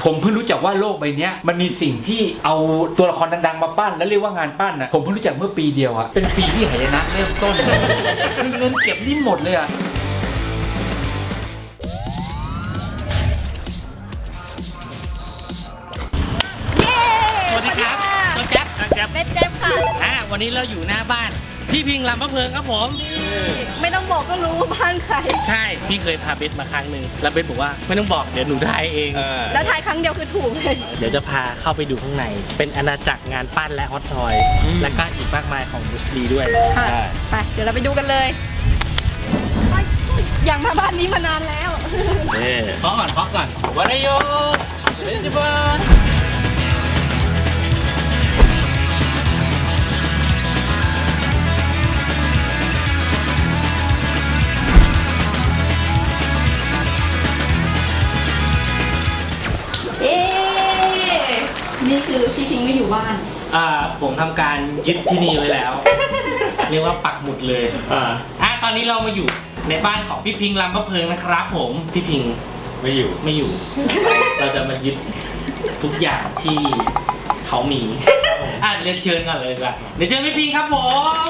ผมเพิ่งรู้จักว่าโลกใบนี้มันมีสิ่งที่เอาตัวละครดังๆมาปั้นแล้วเรียกว่างานปั้นนะผมเพิ่งรู้จักเมื่อปีเดียวอะเป็นปีที่หายนะเริ่มต้นคือเงินเก็บนี่หมดเลยอะสวัสดีครับตัวแจ๊บครับเม็ดเจ็บค่ะวันนี้เราอยู่หน้าบ้านพี่พิงลำพะเพิงครับผมไม่ต้องบอกก็รู้ว่าบ้านใครใช่พี่เคยพาเบสมาครั้งหนึ่งแล้วเบสบอกว่าไม่ต้องบอกเดี๋ยวหนูทายเองแล้วทายครั้งเดียวคือถูกเลยเดี๋ยวจะพาเข้าไปดูข้างในเป็นอาณาจักรงานปั้นและฮอตทอยและก็อีกมากมายของบุสลีด้วยค่ะไปเดี๋ยวเราไปดูกันเลยอยากมาบ้านนี้มานานแล้วเคาะก่อนวันนี้โยเบสจิบอนนี่คือพี่พิงไม่อยู่บ้านผมทำการยึดที่นี่ไว้แล้ว เรียกว่าปักหมุดเลยตอนนี้เรามาอยู่ในบ้านของพี่พิงลำพะเพิงนะครับผมพี่พิงไม่อยู่ เราจะมายึดทุกอย่างที่เขามีเรียนเชิญก่อนเลยดีกว่าเรียนเชิญพี่พิงครับผม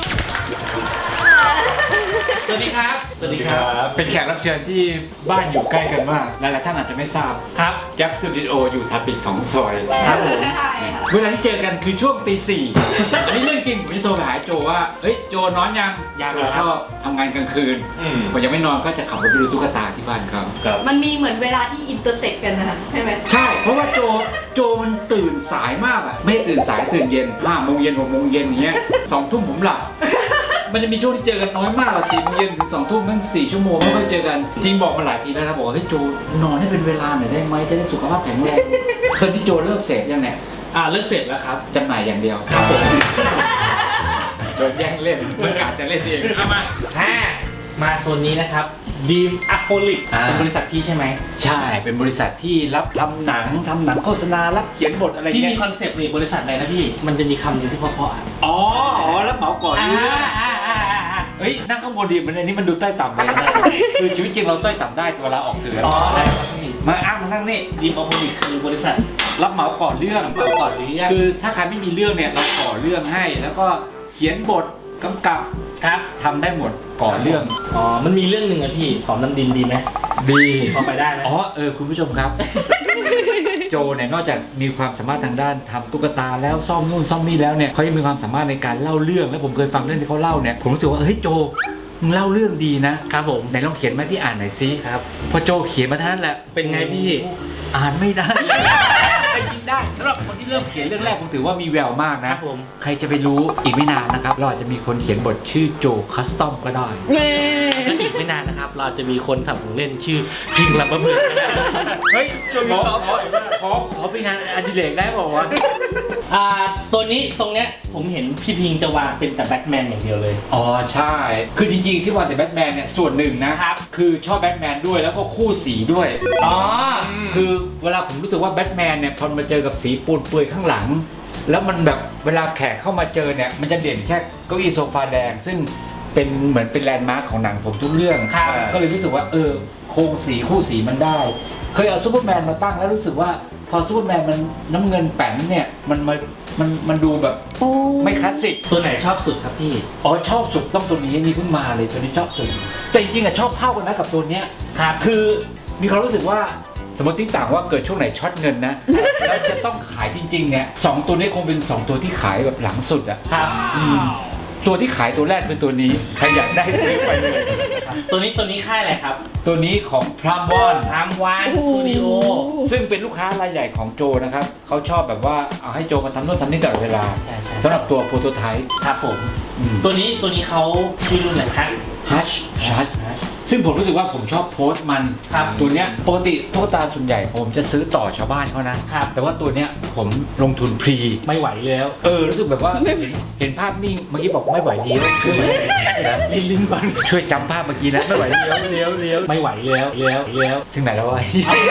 สวัสดีครับสวัสดีครับเป็นแขกรับเชิญที่บ้านอยู่ใกล้กันมากหลายๆท่านอาจจะไม่ทราบครับแจ็คสตูดิโออยู่ถัดไปอีก2 ซอยครับผมใช่ค่ะเวลาที่เจอกันคือช่วงตี 4อันนี้เรื่องจริงผมจะโทรไปหาโจว่าเฮ้ยโจนอนยังยังโจครับชอบทำงานกลางคืนพอยังไม่นอนก็จะขับรถไปดูตุ๊กตาที่บ้านเขามันมีเหมือนเวลาที่อินเตอร์เซ็กกันนะคะใช่ไหมใช่เพราะว่าโจมันตื่นสายมากอะไม่ได้ตื่นสายตื่นเย็น5 โมงเย็น6 โมงเย็นอย่างเงี้ย2 ทุ่มผมหลับ มันจะมีช่วงที่เจอกันน้อยมากอะ4 โมงเย็นถึง2 ทุ่มมัน4 ชั่วโมงไม่ค่อยเจอกันจริงบอกมาหลายทีแล้วนะบอกว่าเฮ้ยโจนอนให้เป็นเวลาหน่อยได้ไหมจะได้สุขภาพแข็งแรงเคยที่โจเลิกเสพยังเนี่ยเลิกเสร็จแล้วครับจำหน่ายอย่างเดียวครับผมโดนแย่งเล่นเมื่อกาจะเล่นเองมาโซนนี้นะครับดีมอะโคลิกเป็นบริษัทพี่ใช่ไหมใช่เป็นบริษัทที่รับทำหนังโฆษณารับเขียนบทอะไรพี่เงี้มียคอนเซปต์นี่บริษัทอะไรนะพี่มันจะมีคำหนึงที่เพราะๆอ๋อรับเหมาก่อนเฮ้ยนั่งข้างบนดีมันอันนี้มันดูใต้ต่ำเลยนะคือชีวิตจริงเราใต้ต่ำได้เวลาออกสื่อได้ครับพี่มาอ้างมานั่งนี่ดีมอะโคลิกคือบริษัทรับเหมาก่อนเรื่องรับเหมาก่อนเรื่องคือถ้าใครไม่มีเรื่องเนี่ยเราก่อเรื่องให้ แล้วก็เขียนบทกำกับครับทำได้หมดก่อเรื่องมันมีเรื่องหนึ่งอะพี่หอมน้ำดินดีไหมดีพอไปได้ไหมคุณผู้ชมครับ โจเนี่ยนอกจากมีความสามารถทางด้านทำตุ๊กตาแล้วซ่อมนู่นซ่อมนี่แล้วเนี่ยเขายังมีความสามารถในการเล่าเรื่องแล้วผมเคยฟังเรื่องที่เขาเล่าเนี่ยผมรู้สึกว่าเฮ้ยโจมึงเล่าเรื่องดีนะครับผมไหนลองเขียนมาพี่อ่านหน่อยซิครับพอโจเขียนมาเท่านั้นแหละเป็นไงพี่อ่านไม่ได้แต่ยิงได้สำหรับคนที่เริ่มเขียนเรื่องแรกผมถือว่ามีแววมากคนะรับผมใครจะไปรู้อีกไม่นานนะครับเราอาจจะมีคนเขียนบทชื่อโจคัสตอมก็ได้และอีกไม่นานนะครับ เราจะมีคนทำของเล่นชื่อพิงลำบะเพิงเฮ้ยขอเป็นงานอดิเรกได้บอกว่าวะตัวนี้ตรงเนี้ยผมเห็นพี่พิงจะวางเป็นแต่แบทแมนอย่างเดียวเลยอ๋อใช่ คือจริงๆที่วางแต่แบทแมนเนี่ยส่วนหนึ่งนะครับ คือชอบแบทแมนด้วยแล้วก็คู่สีด้วย คือเวลาผมรู้สึกว่าแบทแมนเนี่ยพอมาเจอกับสีปูนเปื่อยข้างหลัง แล้วมันแบบเวลาแขกเข้ามาเจอเนี่ยมันจะเด่นแค่เก้าอี้โซฟาแดง ซึ่งเป็นเหมือนเป็นแลนด์มาร์คของหนังผมทุกเรื่องครับก็เลยรู้สึกว่าโครงสีคู่สีมันได้ เคยเอาซูเปอร์แมนมาตั้งแล้วรู้สึกว่าพอซูเปอร์แมนมันน้ำเงินแป๋นเนี่ยมันดูแบบไม่คลาสสิกตัวไหนชอบสุดครับพี่อ๋อชอบสุดต้องตัวนี้นี่เพิ่งมาเลยตัวนี้ชอบสุดแต่จริงๆอะชอบเท่ากันนะกับตัวเนี้ยครับคือมีความรู้สึกว่าสมมติทิ้งต่างว่าเกิดช่วงไหนช็อตเงินนะ แล้วจะต้องขายจริงๆเนี่ยสองตัวนี้คงเป็น2 ตัวที่ขายแบบหลังสุดอะครับตัวที่ขายตัวแรกเป็นตัวนี้ใครอยากได้ซื้อไปเลยตัวนี้ค่ายอะไรครับตัวนี้ของพรามวอนทามวานสตูดิโอซึ่งเป็นลูกค้ารายใหญ่ของโจนะครับเขาชอบแบบว่าเอาให้โจมาทำโน่นทำนี่ตลอดเวลาใช่สำหรับตัวโปรโตไทป์ครับผม ตัวนี้เขาชื่อรุ่นอะไรครับฮัชชัดซึ่งผมรู้สึกว่าผมชอบโพสต์มันครับตัวเนี้ยปกติตุ๊กตาส่วนใหญ่ผมจะซื้อต่อชาวบ้านเขานะครับ แต่ว่าตัวเนี้ยผมลงทุนพรีไม่ไหวแล้วรู้สึกแบบว่าเห็นภาพนิ่งเมื่อกี้บอกไม่ไหวเลี้ยวช่วยลิ้นก่อนช่วยจำภาพเมื่อกี้นะไม่ไหวเลี้ยวไม่ไหวแล้วถึงไหนแล้ววะ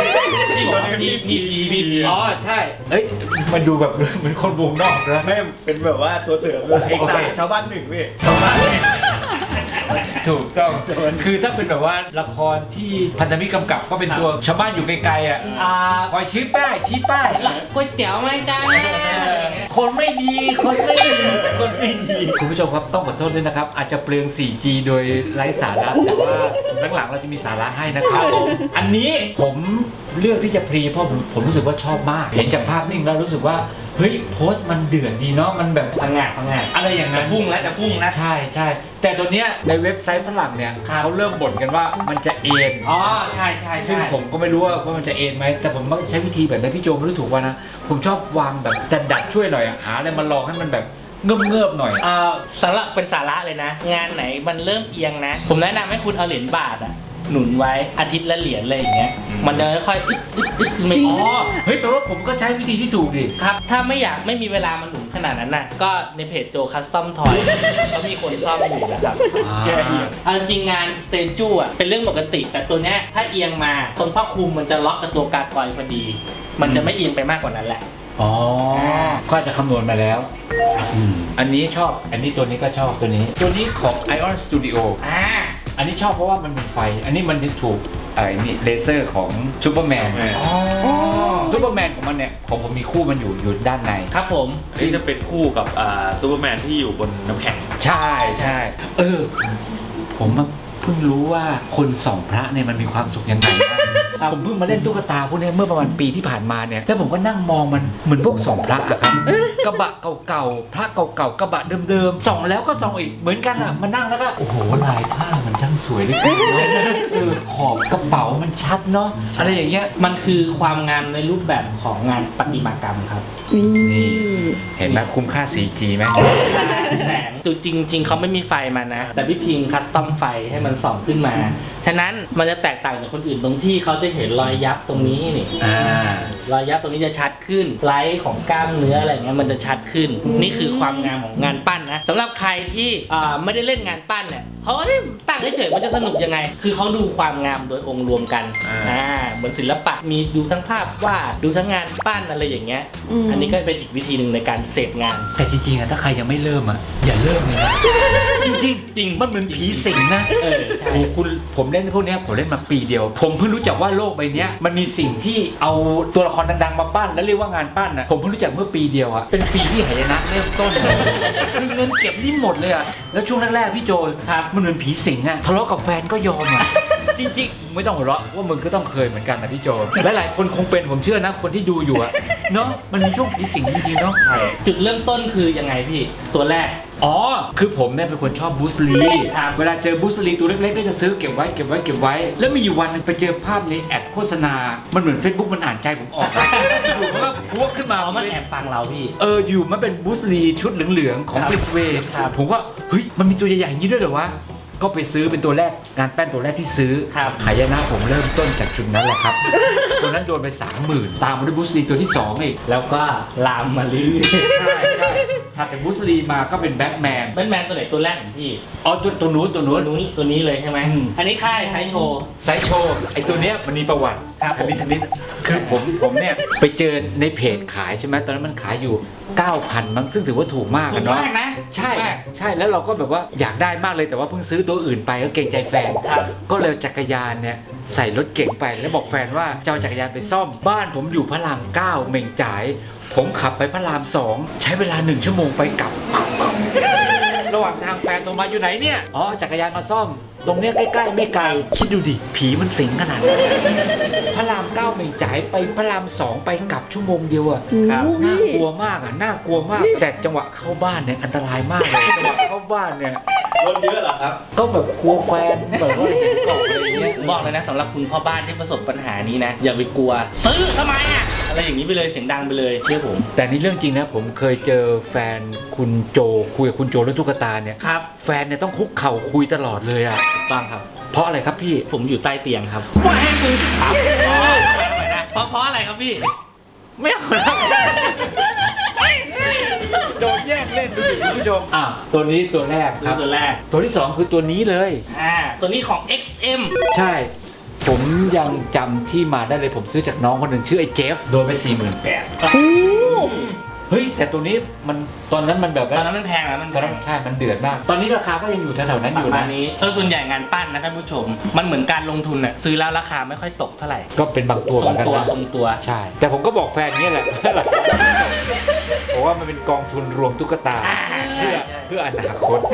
พี่อ๋อใช่เอ้ยมันดูแบบเหมือนคนวงนอกนะไม่เป็นแบบว่าตัวเสริมเลยโอเคชาวบ้านหนึ่งพี่ชาวบ้านถูกต้องคือถ้าเป็นแบบว่าละครที่พันธมิตรกำกับก็เป็นตัวชาวบ้านอยู่ไกลๆอ่ะคอยชี้ป้ายก๋วยเตี๋ยวไหมจ้าคนไม่ดีคนไม่ดีคุณผู้ชมครับต้องขอโทษด้วยนะครับอาจจะเปลือง 4G โดยไร้สาระแต่ว่าหลังๆเราจะมีสาระให้นะครับอันนี้ผมเลือกที่จะพรีเพราะผมรู้สึกว่าชอบมากเห็นจากภาพนิ่งแล้วรู้สึกว่าเฮ้ยโพสต์มันเดือดดีเนาะมันแบบพังงาอะไรอย่างนั้นจะพุ่งนะใช่แต่ตัวเนี้ยในเว็บไซต์ฝรั่งเนี่ยเขาเริ่มบ่นกันว่ามันจะเอ็นใช่ซึ่งผมก็ไม่รู้ว่ามันจะเอ็นไหมแต่ผมมักใช้วิธีแบบนั้นพี่โจไม่รู้ถูกว่านะผมชอบวางแบบแต่ดัดช่วยหน่อยหาอะไรมาลองให้มันแบบเงือบหน่อยสำหรับเป็นสาระเลยนะงานไหนมันเริ่มเอียงนะผมแนะนำให้คุณเอาเหรียญบาทหนุนไว้อาทิตย์ละเหรียญอะไรอย่างเงี้ยมันจะค่อยๆไม่เฮ้ยแปลว่าผมก็ใช้วิธีที่ถูกดิครับถ้าไม่มีเวลามาหนุนขนาดนั้นน่ะก็ในเพจโจคัสตอมทอยเขามีคนซ่อมอยู่นะครับจริงงานสเตจูเป็นเรื่องปกติแต่ตัวเนี้ยถ้าเอียงมาตรงผ้าคลุมมันจะล็อกกับตัวกากอยพอดีมันจะไม่เอียงไปมากกว่านั้นแหละก็จะคำนวณมาแล้วอันนี้ชอบอันนี้ตัวนี้ก็ชอบตัวนี้ของ Ion Studio อันนี้ชอบเพราะว่ามันมีไฟอันนี้มันถูกนี่เลเซอร์ของซูเปอร์แมนซูเปอร์แมนของมันเนี่ยของผมมีคู่มันอยู่ด้านในครับผมที่จะเป็นคู่กับซูเปอร์แมนที่อยู่บนน้ำแข็งใช่ผมเพิ่งรู้ว่าคนส่องพระเนี่ยมันมีความสุขยังไงนะผมเพิ่งมาเล่นตุ๊กตาพวกนี้เมื่อประมาณปีที่ผ่านมาเนี่ยแล้วผมก็นั่งมองมันเหมือนพวกส่องพระอะครับกระบะเก่าๆพระเก่าๆกระบะเดิมๆส่องแล้วก็ส่องอีกเหมือนกันอะมานั่งแล้วก็โอ้โหลายผ้ามันช่างสวยเหลือเกินขอบกระเป๋ามันชัดเนาะอะไรอย่างเงี้ยมันคือความงามในรูปแบบของงานประติมากรรมครับนี่เห็นไหมคุ้มค่า 4G ไหมแสงจริงเขาไม่มีไฟมานะแต่พี่พิงคัสตอมไฟให้มันส่องขึ้นมาฉะนั้นมันจะแตกต่างจากคนอื่นตรงที่เขาจะเห็นรอยยับตรงนี้นี่รอยยับตรงนี้จะชัดขึ้นไลท์ของกล้ามเนื้ออะไรเงี้ยมันจะชัดขึ้นนี่คือความงามของงานปั้นนะสำหรับใครที่ไม่ได้เล่นงานปั้นเนี่ยเขาตั้งเฉยๆมันจะสนุกยังไงคือเขาดูความงามโดยองค์รวมกันเหมือนศิลปะมีดูทั้งภาพวาดดูทั้งงานปั้นอะไรอย่างเงี้ยอันนี้ก็เป็นอีกวิธีหนึ่งในการเสพงานแต่จริงๆอะถ้าใครยังไม่เริ่มอะอย่าเริ่มเลยนะจริงมันเหมือนผีสิงนะใช่ผมเล่นพวกนี้ผมเล่นมาปีเดียวผมเพิ่งรู้จักว่าโลกใบนี้มันมีสิ่งที่เอาตัวละครดังๆมาปั้นแล้วเรียกว่างานปั้นอะผมเพิ่งรู้จักเมื่อปีเดียวอะเป็นปีที่หายนะเริ่มต้นเลยคือเงินเก็บนี่หมดเลยอะแล้วช่วงแรกๆพี่โจมันเหมือนผีสิงอะทะเลาะกับแฟนก็ยอมอะจริงๆไม่ต้องหัวเราะว่ามึงก็ต้องเคยเหมือนกันนะพี่โจหลายๆคนคงเป็นผมเชื่อนะคนที่ดูอยู่อะเนาะมันมีช่วงผีสิงจริงๆเนาะจุดเริ่มต้นคือยังไงพี่ตัวแรกคือผมเนี่ยเป็นคนชอบบูสลีเวลาเจอบูสลีตัวเล็กๆก็จะซื้อเก็บไว้แล้วมีอยู่วันนึงไปเจอภาพในแอดโฆษณามันเหมือน Facebook มันอ่านใจผมออกอยู่มันก็พวกขึ้นมามันแอบฟังเราพี่อยู่มันเป็นบูสลีชุดเหลืองๆของบิสเวย์ผมก็เฮ้ยมันมีตัวใหญ่ๆอย่างนี้ด้วยเหรอวะก็ไปซื้อเป็นตัวแรกงานแป้นตัวแรกที่ซื้อหายนะผมเริ่มต้นจากจุดนั้นแหละครับตัวนั้นโดนไป 30,000 ตามมาด้วยบูสลีตัวที่2อีกแล้วก็ลามมาเรื่อยๆใช่ถัดจากบูสลีมาก็เป็นแบทแมนตัวไหนตัวแรกของพี่ตัวนู้นตัวนี้เลยใช่ไหมอันนี้ค่ายไซโชว์ไอตัวเนี้ยมันมีประวัติทันนี้คือผมเนี่ยไปเจอในเพจขายใช่ไหมตอนนั้นมันขายอยู่ 9,000 มั้งซึ่งถือว่าถูกมากเนาะใช่แล้วเราก็แบบว่าอยากได้มากเลยแต่ว่าเพิ่งซื้อตัวอื่นไปก็เกรงใจแฟนก็เลยจักรยานเนี่ยใส่รถเก๋งไปแล้วบอกแฟนว่าจะเอาจักรยานไปซ่อมบ้านผมอยู่พระราม 9เหม่งจ่ายผมขับไปพระราม 2ใช้เวลา1 ชั่วโมงไปกลับระหว่างทางแฟนโทรมาอยู่ไหนเนี่ยจักรยานมาซ่อมตรงเนี้ยใกล้ๆไม่ไกลคิดดูดิผีมันสิงขนาดนั้นพระราม 9เหม่งจ่ายไปพระราม 2ไปกลับชั่วโมงเดียวอะน่ากลัวมากแต่จังหวะเข้าบ้านเนี่ยอันตรายมากเลยจังหวะเข้าบ้านเนี่ยรถเยอะเหรอครับก็แบบกลัวแฟนแบบว่าเห็นกล่องอะไรเงี้ยบอกเลยนะสำหรับคุณพ่อบ้านที่ประสบปัญหานี้นะอย่าไปกลัวซื้อทำไมอะอะไรอย่างนี้ไปเลยเสียงดังไปเลยเชื่อผมแต่นี่เรื่องจริงนะผมเคยเจอแฟนคุณโจคุยกับคุณโจเรื่องตุ๊กตาเนี่ยครับแฟนเนี่ยต้องคุกเข่าคุยตลอดเลยอะบ้างครับเพราะอะไรครับพี่ผมอยู่ใต้เตียงครับว่าให้มือถามเพราะอะไรครับพี่ไม่เอาแล้วโดนแย่งเล่นดูดิคุณผู้ชมตัวนี้ตัวแรกครับตัวที่2คือตัวนี้เลยตัวนี้ของ XM ใช่ผมยังจำที่มาได้เลยผมซื้อจากน้องคนหนึ่งชื่อไอ้เจฟโดนไป 48,000 เฮ้ยแต่ตัวนี้มันตอนนั้นมันแบบตอนนั้นมันแพงนะมันตอนนั้นใช่มันเดือดมากตอนนี้ราคาก็ยังอยู่แถวๆนั้นปอระยู่มานะณนี้ส่วนใหญ่งานปั้นนะท่านผู้ชม มันเหมือนการลงทุนอะซื้อแล้วราคาไม่ค่อยตกเท่าไหร่ก็เป็นบางตัวทเหรมือง นกันตัวนะทรงตัวใช่ แต่ผมก็บอกแฟนนี้แหละ เพราะว่ามันเป็นกองทุนรวมตุ๊กตาเพื่ออนาคต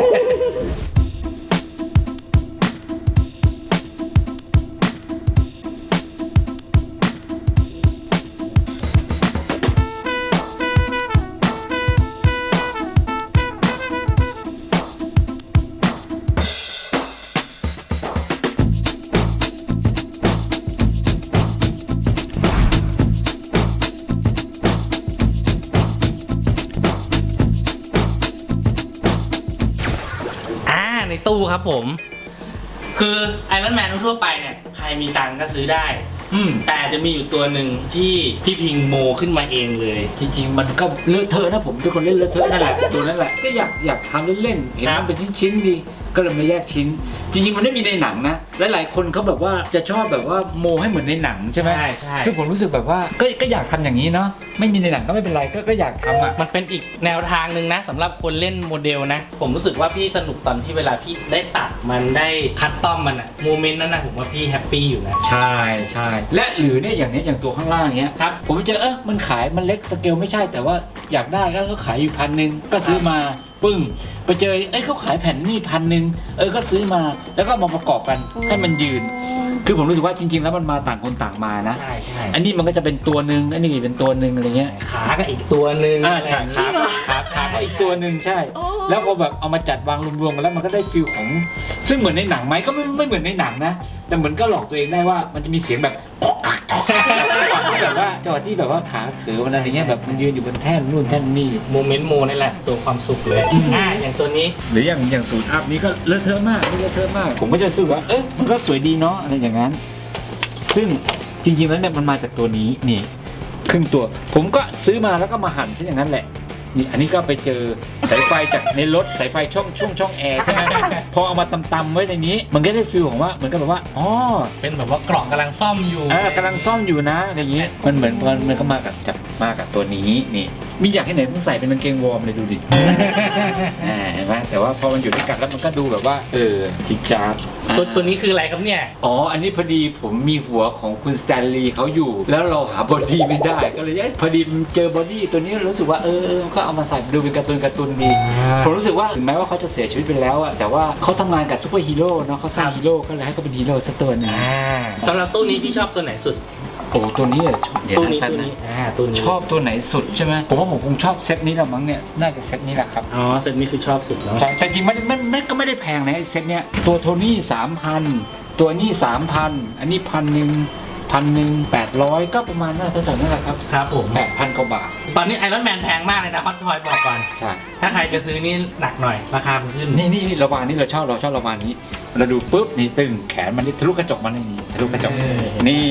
ในตู้ครับผม คือไอรอนแมนทั่วไปเนี่ยใครมีตังค์ก็ซื้อได้ แต่จะมีอยู่ตัวหนึ่งที่พี่พิงโมขึ้นมาเองเลยจริงๆมันก็เลอะเทอะนะผมเป็นคนเล่นเลอะเทอะนั่นแหละตัวนั้นแหละก็อยากทำเล่นๆเห็นมันเป็นชิ้นๆดีก็เลยมาแยกชิ้น จริงๆมันไม่มีในหนังนะหลายๆคนเขาแบบว่าจะชอบแบบว่าโมให้เหมือนในหนังใช่ไหมใช่คือผมรู้สึกแบบว่าก็อยากทำอย่างนี้เนาะไม่มีในหนังก็ไม่เป็นไรก็อยากทำอ่ะมันเป็นอีกแนวทางหนึ่งนะสำหรับคนเล่นโมเดลนะ ผมรู้สึกว่าพี่สนุกตอนที่เวลาพี่ได้ตัดมันได้คัสตอมมันอะโมเมนต์นั้นนะผมว่าพี่แฮปปี้อยู่นะใช่ใช่และหรือเนี่ยอย่างตัวข้างล่างเนี้ยครับผมไปเจอมันขายมันเล็กสเกลไม่ใช่แต่ว่าอยากได้ก็ขายอยู่1,000ก็ซื้อมาปึ้งไปเจอเขาขายแผ่นนี่1,000ก็ซื้อมาแล้วก็มาประกอบกันให้มันยืน คือผมรู้สึกว่าจริงๆแล้วมันมาต่างคนต่างมานะใช่ใช่อันนี้มันก็จะเป็นตัวหนึ่งอันนี้เป็นตัวหนึ่งอะไรเงี้ยขาก็อีกตัวหนึ่งใช่ขาก็อีกตัวหนึ่งใช่ แล้วพอแบบเอามาจัดวางรวมๆกันแล้วมันก็ได้ฟิลของซึ่งเหมือนในหนังไหมก็ไม่เหมือนในหนังนะแต่เหมือนก็หลอกตัวเองได้ว่ามันจะมีเสียงแบบแบบว่าจังหวะที่แบบว่าขาเขือมันอะไรเงี้ยแบบมันยืนอยู่บนแท่นนู่นแท่นนี่โมเมนต์โมนี่แหละตัวความสุขเลยอย่างตัวนี้หรืออย่างสูตรอัพนี้ก็เลอะเทอะมากไม่เลอะเทอะมากผมก็จะรู้สึกว่ามันก็สวยดีเนาะอะไรอย่างนั้น ซึ่งจริงๆแล้วเนี่ยมันมาจากตัวนี้นี่ครึ่งตัวผมก็ซื้อมาแล้วก็มาหั่นซะอย่างนั้นแหละนี่อันนี้ก็ไปเจอสายไฟจากในรถสายไฟช่องแอร์ใช่ไหม พอเอามาตำๆไว้ในนี้ มันก็ได้ฟีลของว่าเหมือนกับแบบว่าอ๋อเป็นแบบว่ากล่องกำลังซ่อมอยู่กำลังซ่อมอยู่นะอะไรอย่างนี้มันเหมือนมันก็มากับตัวนี้นี่มีอยากให้ไหนต้องใส่เป็นกางเกงวอร์มเลยดูดิ เห็นไหมแต่ว่าพอมันอยู่ด้วยกันแล้วมันก็ดูแบบว่าจิจาร์ตัวนี้คืออะไรครับเนี่ยอ๋ออันนี้พอดีผมมีหัวของคุณสแตนลีย์เขาอยู่ แล้วเราหาบอดี้ไม่ได้ก็เลยพอดีเจอบอดี้ตัวนี้รู้สึกว่าก็เอามาใส่ดูเป็นการ์ตูนดีผมรู้สึกว่าถึงแม้ว่าเขาจะเสียชีวิตไปแล้วอะแต่ว่าเขาทำงานกับซูเปอร์ฮีโร่เนาะเขาสร้างฮีโร่ก็เลยให้เขาเป็นฮีโร่สักตัวหนึงสำหรับตู้นี้พี่ชอบตัวไหนสุดโอ้ตัวนี้อะเดี๋ยวตู้นะนี้แป๊บตู้นะนี้ตู้นี้ชอบตัวไหนสุดใช่ไหมผมว่าผมคงชอบเซตนี้ละมั้งเนี่ยน่าจะเซตนี้แหละครับอ๋อเซตนี้คือชอบสุดแล้วใช่แต่จริงมันก็ไม่ได้แพงนะไอ้เซตเนี้ยตัวโทนี่3,000ตัวนี้3,000อันนี้1,800ก็ประมาณน่าจะเท่านั้นแหละครับครับผม 8,000 กว่าบาทตอนนี้ไอรอนแมนแพงมากเลยนะฮอตทอยบอกก่อนใช่ถ้าใครจะซื้อนี่หนักหน่อยราคามันขึ้นนี่ระวางนี่เราชอบระวางนี้เราดูปุ๊บนี่ตึงแขนมันนี่ทะลุกระจกมันนี่ทะลุกระจกนี่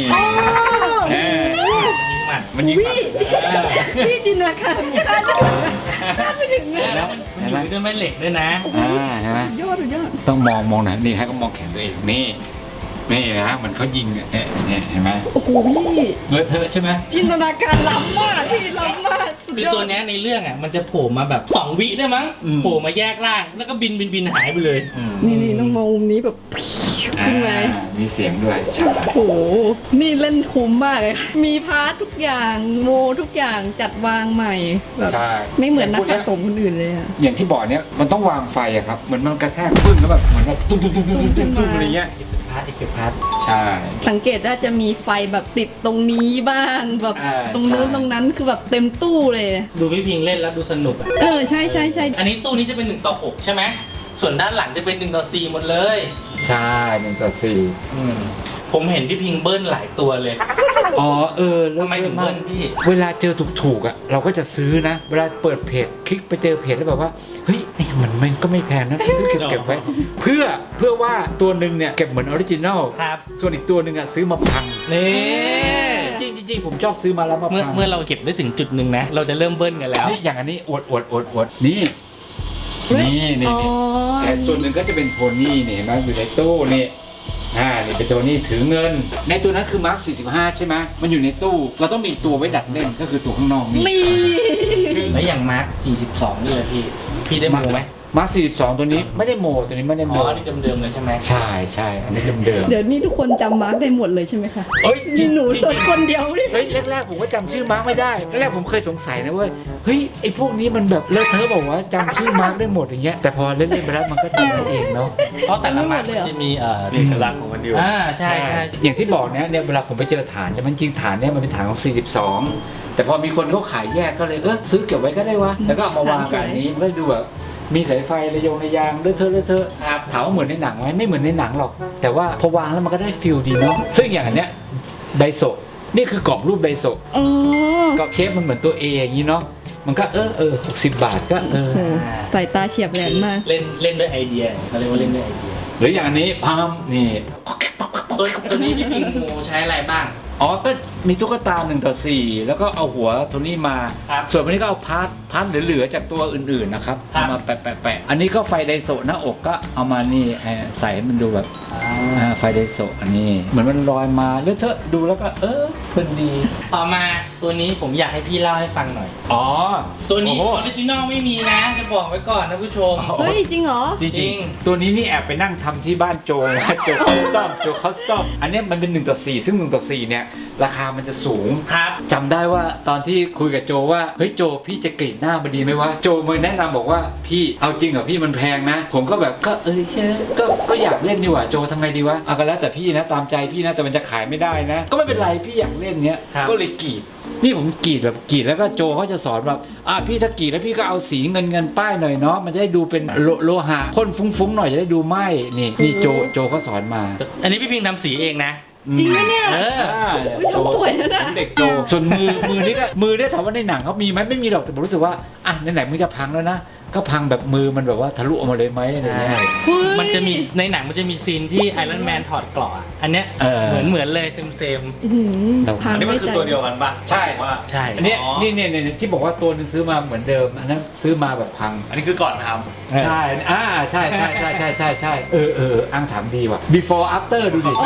มันยิงพี่จินตนาการคาดไม่ถึงเลยแล้วมันอยู่ด้วยแม่เหล็กด้วยนะใช่ไหมยอดยอดต้องมองนะนี่ให้ก็มองแขนตัวเองนี่นะเหมือนเขายิงเนี่ยเห็นไหมโอ้โหพี่เลอะเทอะใช่ไหมจินตนาการล้ำมากพี่ล้ำมากคือตัวเนี้ยในเรื่องอ่ะมันจะโผล่มาแบบ2 วิได้มั้งโผล่มาแยกร่างแล้วก็บินหายไปเลยนี่ต้องมองมุมนี้แบบขึ้นมามีเสียงด้วยใช่โอ้โหนี่เล่นคุ้มมากเลยมีพาร์ททุกอย่างโมทุกอย่างจัดวางใหม่แบบใช่ไม่เหมือนนักสะสมคนอื่นเลยอะอย่างที่บอกเนี่ยมันต้องวางไฟอะครับเหมือนมันกระแทกปึ้งแล้วแบบเหมือนแบบตุ้มอะไรเงี้ยอีกพาร์ทใช่สังเกตว่าจะมีไฟแบบติดตรงนี้บ้างแบบ ตรงนู้นใช่ตรงนั้นคือแบบเต็มตู้เลยดูพี่พิงเล่นแล้วดูสนุกอ่ะใช่อันนี้ตู้นี้จะเป็น1:6ใช่ไหมส่วนด้านหลังจะเป็น1:4หมดเลยใช่1:4 ผมเห็นพี่พิงเบิ้ลหลายตัวเลยอ๋อทำไมถึงเบิ้ลพี่เวลาเจอถูกๆอ่ะเราก็จะซื้อนะเวลาเปิดเพจคลิกไปเจอเพจแล้วแบบว่าเฮ้ยมันก็ไม่แพงนะซื้อเก็บไว้เพื่อว่าตัวหนึ่งเนี่ยเก็บเหมือนออริจินัลครับส่วนอีกตัวหนึ่งอ่ะซื้อมาพังนี่จริงผมชอบซื้อมาแล้วมาพังเมื่อเราเก็บได้ถึงจุดหนึ่งนะเราจะเริ่มเบิ้ลกันแล้วนี่อย่างอันนี้อวดนี่แต่ส่วนหนึ่งก็จะเป็นโทนี่นี่เห็นไหมอยู่ในตู้นี่นี่เป็นตัวนี้ถือเงินในตัวนั้นคือมาร์ค45ใช่ไหมมันอยู่ในตู้เราต้องมีตัวไว้ดัดเล่นก็คือตัวข้างนอกนี่มีแล้วอย่างมาร์ค42นี่เลยพี่ได้โมไหมมาร์ค42ตัวนี้ไม่ได้โมตัวนี้ไม่ได้โมอ๋อนี่เดิมๆเลยใช่ไหมใช่อันนี้เดิมเดี๋ยวนี้ทุกคนจำมาร์กได้หมดเลยใช่ไหมคะเอ้ยจริมีงหนูจริงตัวคนเดียวนี่เฮ้ยแรกๆผมก็จำชื่อมาร์คไม่ได้แรกๆผมเคยสงสัยนะเว้ยเฮ้ยไอ้พวกนี้มันแบบเลอะเทอะบอกว่าจำชื่อมาร์คได้หมดอย่างเงี้ยแต่พอเล่นๆไปแล้วมันก็จำได้เองเนาะเพราะแต่ละมาร์คมันจะมีเอกลักษณ์ของมันอยู่ใช่อย่างที่บอกเนี่ยเวลาผมไปเจอฐานเนี่ยมันจริงฐานเนี่ยมันเป็นฐานของ42แต่พอมีคนเขาขายแยกก็เลยซื้อเก็บไว้ก็ได้วะแล้วก็เอามาวางกันนี้มันก็ดูแบบมีสายไฟระยางเลอะเทอะครับถามว่าเหมือนในหนังไหมไม่เหมือนในหนังหรอกแต่ว่าพอวางแล้วมันก็ได้ฟิลดีเนาะซึ่งอย่างอันเนี้ยไดโซะนี่คือกรอบรูปไดโซะอ๋อก็เชฟมันเหมือนตัว A อย่างนี้เนาะมันก็60 บาทก็โอ้โหสายตาเฉียบแหลมมากเล่นด้วยไอเดียเขาเรียกว่าเล่นด้วยไอเดียหรืออย่างอันนี้พามนี่ตัวนี้พี่พิงโมใช้อะไรบ้างอ๋อก็มีตุ๊กตา1:4แล้วก็เอาหัวตัวนี้มาครับส่วนวันนี้ก็เอาพาร์ทเหลือๆจากตัวอื่นๆนะครับครับเอามาแปะอันนี้ก็ไฟไดโซะหน้าอกก็เอามานี่ใส่ให้มันดูแบบไฟไดโซะอันนี้เหมือนมันลอยมาเลอะเทอะดูแล้วก็เพลินดีต่อมาตัวนี้ผมอยากให้พี่เล่าให้ฟังหน่อยอ๋อตัวนี้โอ้อโหอริจินอลไม่มีนะ จะบอกไว้ก่อนนะผู้ชมเฮ้ย จริงเหรอจจริริงงๆตัวนี้นี่แอบไปนั่งทำที่บ้านโจนะโจคอสตอมอันเนี้ยมันเป็น1:4ซึ่ง1:4เนี่ยราคามันจะสูงครับจำได้ว่าตอนที่คุยกับโจว่าเฮ้ยโจพี่จะกรีดหน้ามันดีไหมวะโจมาแนะนำบอกว่าพี่เอาจริงเหรอพี่มันแพงนะ ผมก็แบบก็ใช่ก็อยากเล่นดีกว่าโจทำไงดีวะเอาก็แล้วแต่พี่นะตามใจพี่นะแต่มันจะขายไม่ได้นะ ก็ไม่เป็นไรพี่อยากเล่นเนี้ยครับก็เลยกรีดนี่ผมกรีดแบบกรีดแล้วก็โจเขาจะสอนแบบพี่ถ้ากรีดแล้วพี่ก็เอาสีเงินป้ายหน่อยเนาะมันจะได้ดูเป็นโลหะพ่นฟุ้งๆหน่อยจะได้ดูไหมนี่โจเขาสอนมาอันนี้พี่พิงทำสีเองนะจริงปะเนี่ยเออโจสวยนะผมเด็กโจส่วนมือนี่ก็มือเนี่ยถามว่าในหนังเขามีไหมไม่มีหรอกแต่ผมรู้สึกว่าไหนๆมึงจะพังแล้วนะก็พังแบบมือมันแบบว่าทะลุออกมาเลยไหมอะไรเงี้ยมันจะมีในหนังมันจะมีซีนที่ไอรอนแมนถอดเกราะอะอันเนี้ย เหมือนเลยเซมอื้อหือพังอันนี้มันคือตัวเดียวกันปะใช่ว่าๆใช่อันเนี้ยนี่ที่บอกว่าตัวนึงซื้อมาเหมือนเดิมอันนั้นซื้อมาแบบพังอันนี้คือก่อนทใช่ใช่อ้างถามดีว่ะ before after ดูดิโอ้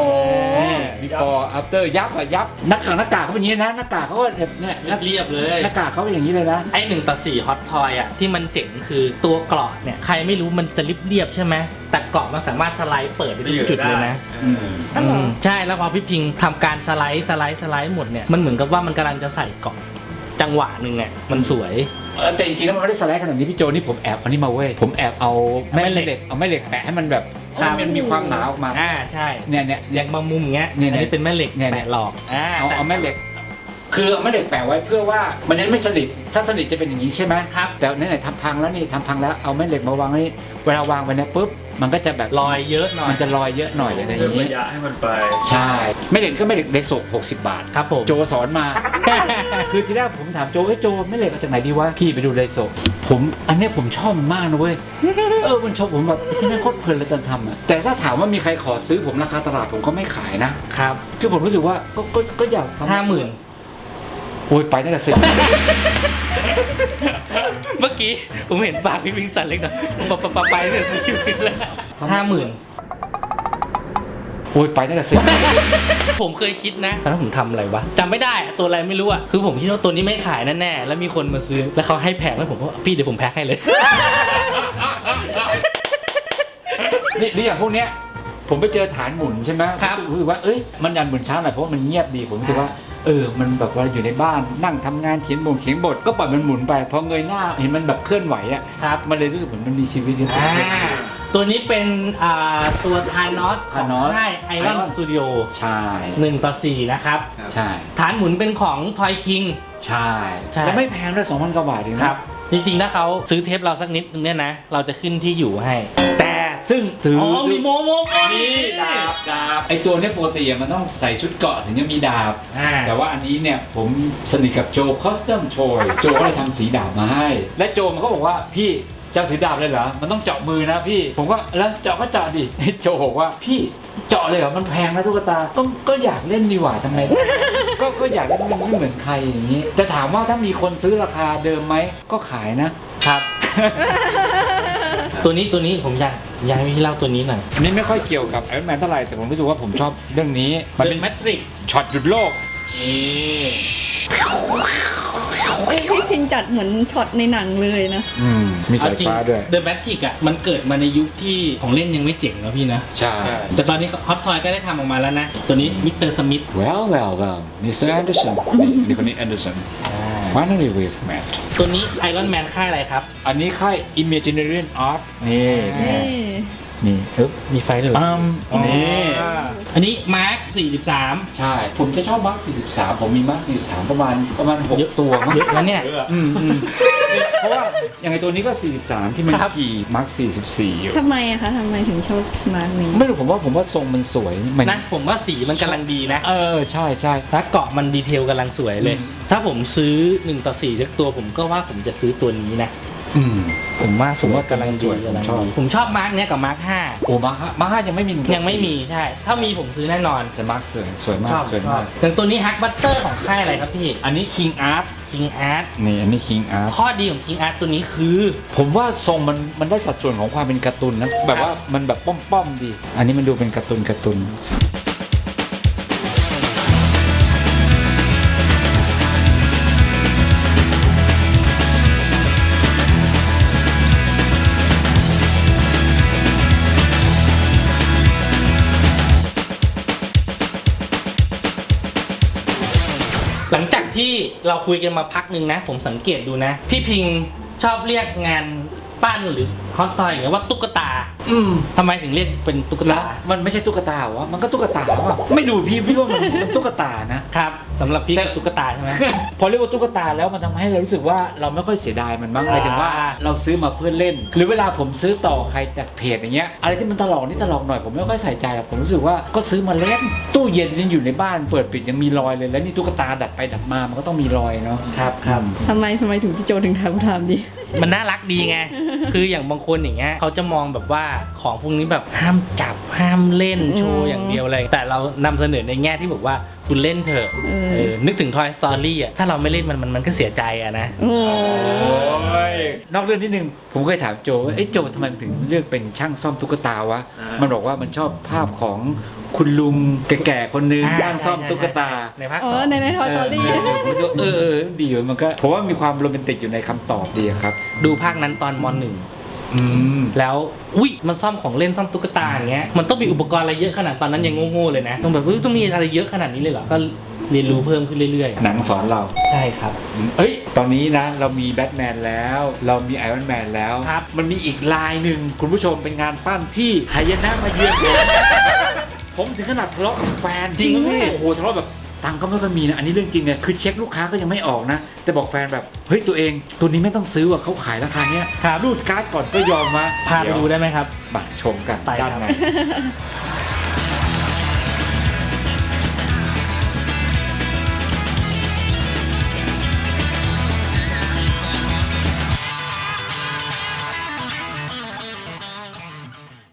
before after ยับหน้ากากเขาเป็นอย่างนี้นะหน้ากากเขาก็แบบเนี่ยเรียบเลยหน้ากากเขาเป็นอย่างนี้เลยนะไอ้1:4ฮอตทอยอ่ะที่มันเจ๋งคือตัวเกราะเนี่ยใครไม่รู้มันจะเรียบใช่ไหมแต่เกราะมันสามารถสไลด์เปิดได้ทุกจุดเลยนะอืมอ๋อเหรอใช่แล้วพอพี่พิงทำการสไลด์หมดเนี่ยมันเหมือนกับว่ามันกำลังจะใส่เกราะจังหวะหนึ่งอ่ะมันสวยแต่จริงๆแล้วมันไม่ได้สไลด์ขนาดนี้พี่โจนี่ผมแอบเอานี่มาเว้ยผมแอบเอาแม่เหล็กแปะให้มันแบบให้มันมีความหนาออกมาใช่เนี่ยอย่างบางมุมอย่างเงี้ยเนี่ยอันนี้เป็นแม่เหล็กเนี่ยแปะหลอกเอาแม่เหล็ก คือเอาแม่เหล็กแปะไว้เพื่อว่ามันจะไม่สนิทถ้าสนิทจะเป็นอย่างนี้ใช่ไหมครับแต่ไหนๆทำพังแล้วเอาแม่เหล็กมาวางนี่เวลาวางไปเนี่ยปุ๊บมันก็จะแบบรอยเยอะหน่อยมันจะลอยเยอะหน่อยอะไรอำเพิ่มย่างระนี้ยะให้มันไปใช่แม่เหล็กก็แม่เหล็กเดโซ60 บาทครับผมโจสอนมา คือทีแรกผมถามโจโจแม่เหล็กเอาจากไหนดีวะพี่ไปดูเดโซอันเนี้ยผมชอบมันมากนะเว้ยมันชอบผมแบบที่นั่นโคตรเพลินเลยตอนทำอะแต่ถ้าถามว่ามีใครขอซื้อผมราคาตลาดผมก็ไม่ขายนะครับ คือผมรู้สึกว่าก็อยากทำ 50,000 โอ้ยไปตั้งแต่10 เมื่อกี้ผมเห็นปากพี่พิงสั่นเล็กน้อยไปเนี่ย40,000แล้ว50,000 โอ้ยไปตั้งแต่10 ผมเคยคิดนะตอนนั้นผมทำอะไรวะจำไม่ได้อะตัวอะไรไม่รู้อะคือผมคิดว่าตัวนี้ไม่ขายแน่ๆแล้วมีคนมาซื้อแล้วเขาให้แพงแล้วผมก็พี่เดี๋ยวผมแพ็คให้เลยนี่อย่างพวกเนี้ยผมไปเจอฐานหมุนใช่ไหมครับรู้สึกว่ามันยันหมุนช้าหน่อยเพราะว่ามันเงียบดีผมรู้สึกว่ามันแบบว่าอยู่ในบ้านนั่งทำงานเขียนบทก็ปล่อยมันหมุนไปพอเงยหน้าเห็นมันแบบเคลื่อนไหวอ่ะครับมันเลยรู้สึกเหมือนมันมีชีวิตอยู่ตัวนี้เป็นตัวทานอสของ Thanos ค่ายไอรอนสตูดิโอใช่ 1:4นะครับใช่ฐานหมุนเป็นของทอยคิงใช่ใช่แล้วไม่แพงด้วย2,000 กว่าบาทเองนะครับจริงๆถ้าเขาซื้อเทปเราสักนิดนึงเนี่ยนะเราจะขึ้นที่อยู่ให้แต่ซึ่งถือมีโมก่อนนี่ดาบไอตัวเนี้ยปกติมันต้องใส่ชุดเกราะถึงจะมีดาบ แต่ว่าอันนี้เนี่ยผมสนิทกับโจคอสตอมโชยโจก็เลยทำสีดาบมาให้ และโจมันก็บอกว่าพี่จะถือดาบเลยเหรอมันต้องเจาะมือนะพี่ผมก็แล้วเจาะก็เจาะดิโจบอกว่าพี่เจาะเลยเหรอมันแพงนะตุ๊กตาก็อยากเล่นดีกว่าทำไม ก็อยากเล่นมันไม่เหมือนใครอย่างนี้แต่ถามว่าถ้ามีคนซื้อราคาเดิมไหมก็ขายนะครับตัวนี้ผมอยากให้พี่เล่าตัวนี้หน่อยอันนี้ไม่ค่อยเกี่ยวกับไอรอนแมนเท่าไหร่แต่ผมรู้สึกว่าผมชอบเรื่องนี้มันเป็นแมทริกช็อตหยุดโลกพี่พิงจัดเหมือนช็อตในหนังเลยนะมีสายฟ้าด้วยเดอะแมทริกอ่ะมันเกิดมาในยุคที่ของเล่นยังไม่เจ๋งนะพี่นะใช่แต่ตอนนี้ฮอตทอยก็ได้ทำออกมาแล้วนะ ตัวนี้มิสเตอร์สมิธ well Mr. Anderson นี่คนนี้ Anderson finally we've met ตัวนี้ไอรอนแมนค่ายอะไรครับอันนี้ค่าย Imaginarium Art นี่นี่นี่ปึ๊บมีไฟด้วยเหรอปั๊มนี่อันนี้มาร์ค43 ใช่ ผมจะชอบมาร์ค43 ผมมีมาร์ค43 ประมาณ6ตัวมั้งเยอะแล้วเนี่ยเพราะว่าอย่างไอตัวนี้ก็ 43 ที่มันครับขี่มาร์ค44 อยู่ทำไมอะคะทำไมถึงชอบมาร์กนี้ไม่รู้ผมว่าทรงมันสวยมันนะผมว่าสีมันกำลังดีนะใช่ใช่แล้วเกาะมันดีเทลกำลังสวยเลย ถ้าผมซื้อ1 ต่อ 4สักตัวผมก็ว่าผมจะซื้อตัวนี้นะ ผมว่ากำลังดีกำลังดีผมชอบมาร์กเนี้ยกับมาร์ก5 โอ้มาร์ค5ยังไม่มียังไม่มีใช่ ถ้ามีผมซื้อแน่นอนแต่มาร์คสวยมากชอบสวยชอมาบกอย่างตัวนี้ฮักบัตเตอร์ของค่ายอะไรครับพี่อันนี้ King Art King Art นี่อันนี้ King Art ข้อดีของ King Art ตัวนี้คือผมว่าทรงมันได้สัดส่วนของความเป็นการ์ตูนนะแบบว่ามันแบบป้อมๆดี อันนี้มันดูเป็นการ์ตูนหลังจากที่เราคุยกันมาพักหนึ่งนะ ผมสังเกตดูนะ พี่พิงชอบเรียกงานปั้นหรือฮอตทอยอย่างเงี้ยว่าตุ๊กตาทำไมถึงเรียกเป็นตุ๊กแล้ตาวมันไม่ใช่ตุ๊กตาวะมันก็ตุ๊กตาวะไม่ดูพี่ว่ามันตุ๊กตานะครับสำหรับพี่ก็ตุ๊กตาใช่ไหมพอเรียกว่าตุ๊กตาแล้วมันทำให้เรารู้สึกว่าเราไม่ค่อยเสียดายมันบ้างหมายถึงว่าเราซื้อมาเพื่อเล่น หรือเวลาผมซื้อต่อใครจากเพจอย่างเงี้ยอะไรที่มันตลกนี่ตลกหน่อยผมไม่ค่อยใส่ใจหรอกผมรู้สึกว่าก็ซื้อมาเล่นตู้เย็นยังอยู่ในบ้านเปิดปิดยังมีรอยเลยแล้วนี่ตุ๊กตาดัดไปดัดมามันก็ต้องมีรอยเนาะครับทำไมถึงพี่โจถึงทำดิมันน่ารักดีไง คืออย่างบางคนอย่างเงี้ยเขาจะมองแบบว่าของพวกนี้แบบห้ามจับห้ามเล่นโชว์อย่างเดียวเลย แต่เรานำเสนอในแง่ที่บอกว่าคุณเล่นเถอะนึกถึง Toy Story อ่ะถ้าเราไม่เล่นมันก็เสียใจอะนะโอ้นอกเรื่องนิดนึงผมเคยถามโจว่าโจทำไมมันถึงเลือกเป็นช่างซ่อมตุ๊กตาวะมันบอกว่ามันชอบภาพของคุณลุงแก่ๆคนนึงนั่งซ่อมตุ๊กตาในภาคอ๋สออง ในทอยสตอรี่ผมรู้สึกว่าดีมันก็ผมว่ามีความโรแมนติกอยู่ในคำตอบดีครับดูภาคนั้นตอนม .1 แล้วอุ้ยมันซ่อมของเล่นซ่อมตุ๊กตาอย่างเงี้ยมันต้องมีอุปกรณ์อะไรเยอะขนาดตอนนั้นยังโง่ๆเลยนะต้องแบบต้องมีอะไรเยอะขนาดนี้เลยเหรอก็เรียนรู้เพิ่มขึ้นเรื่อยหนังสอนเราๆใช่ครับตอนนี้นะเรามีแบทแมนแล้วเรามีไอรอนแมนแล้วครับมันมีอีกลายหนึ่งคุณผู้ชมเป็นงานปั้นที่หายนะมาเยือนผมถึงขนาดทะเลาะกับแฟนจริงไหมพี่โอ้โหทะเลาะแบบตังค์ก็ไม่ค่อยมีนะอันนี้เรื่องจริงเนี่ยคือเช็คลูกค้าก็ยังไม่ออกนะแต่บอกแฟนแบบเฮ้ยตัวเองตัวนี้ไม่ต้องซื้อว่ะเขาขายราคาเนี้ยรูดการ์ดก่อนก็ยอมมาพาไปดูได้ไหมครับมาชมกันไปครับด้านใน